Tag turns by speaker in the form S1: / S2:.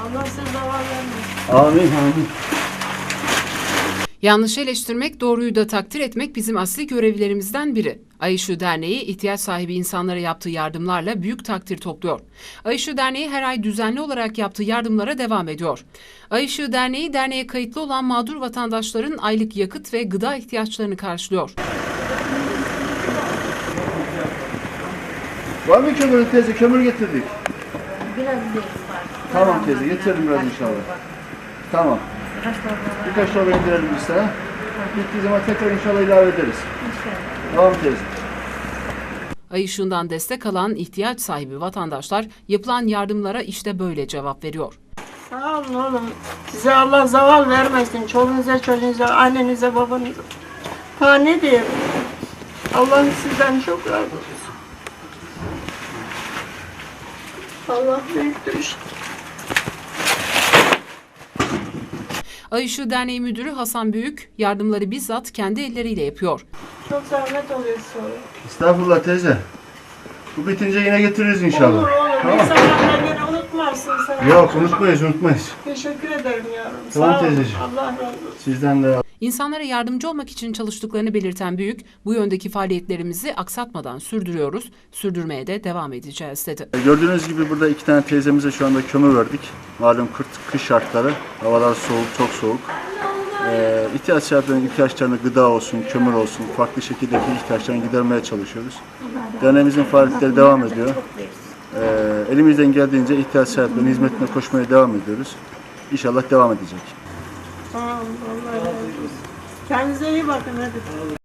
S1: Allah size zavallı vermesin.
S2: Amin, amin.
S3: Yanlışı eleştirmek, doğruyu da takdir etmek bizim asli görevlerimizden biri. Ay Işığı Derneği, ihtiyaç sahibi insanlara yaptığı yardımlarla büyük takdir topluyor. Ay Işığı Derneği her ay düzenli olarak yaptığı yardımlara devam ediyor. Ay Işığı Derneği, derneğe kayıtlı olan mağdur vatandaşların aylık yakıt ve gıda ihtiyaçlarını karşılıyor.
S2: Var mı kömür teyze? Kömür getirdik.
S1: Biraz bir var.
S2: Tamam teyze, getirelim biraz inşallah. Tamam. Birkaç torba indirelim biz sana. Bittiği zaman tekrar inşallah ilave ederiz. Tamam teyze.
S3: Ay Işığı'ndan destek alan ihtiyaç sahibi vatandaşlar yapılan yardımlara işte böyle cevap veriyor.
S1: Sağ olun oğlum. Size Allah zaval vermesin. Çoluğunuza, çocuğunuza, annenize, babanıza. Ha ne diyeyim? Allah sizden çok razı olsun. Allah büyüktür işte.
S3: Ay Işığı Derneği Müdürü Hasan Büyük yardımları bizzat kendi elleriyle yapıyor.
S1: Çok zahmet oluyor sonra.
S2: Estağfurullah teyze. Bu bitince yine getiririz inşallah.
S1: Olur olur.
S2: Tamam.
S1: İnsanlar beni unutmazsın sen.
S2: Yok unutmayız.
S1: Teşekkür ederim yavrum.
S2: Tamam
S1: Sağ olun.
S2: teyzeciğim.
S1: Allah razı olsun.
S2: Sizden de.
S3: İnsanlara yardımcı olmak için çalıştıklarını belirten Büyük, bu yöndeki faaliyetlerimizi aksatmadan sürdürüyoruz, sürdürmeye de devam edeceğiz dedi.
S2: Gördüğünüz gibi burada 2 tane teyzemize şu anda kömür verdik. Malum kış şartları, havalar soğuk, çok soğuk. İhtiyaç sahiplerinin ihtiyaçlarını gıda olsun, kömür olsun, farklı şekildeki ihtiyaçlarını gidermeye çalışıyoruz. Derneğimizin faaliyetleri devam ediyor. Elimizden geldiğince ihtiyaç sahiplerinin hizmetine koşmaya devam ediyoruz. İnşallah devam edecek.
S1: Sağ olun. Allah razı olsun. Kendinize iyi bakın hadi.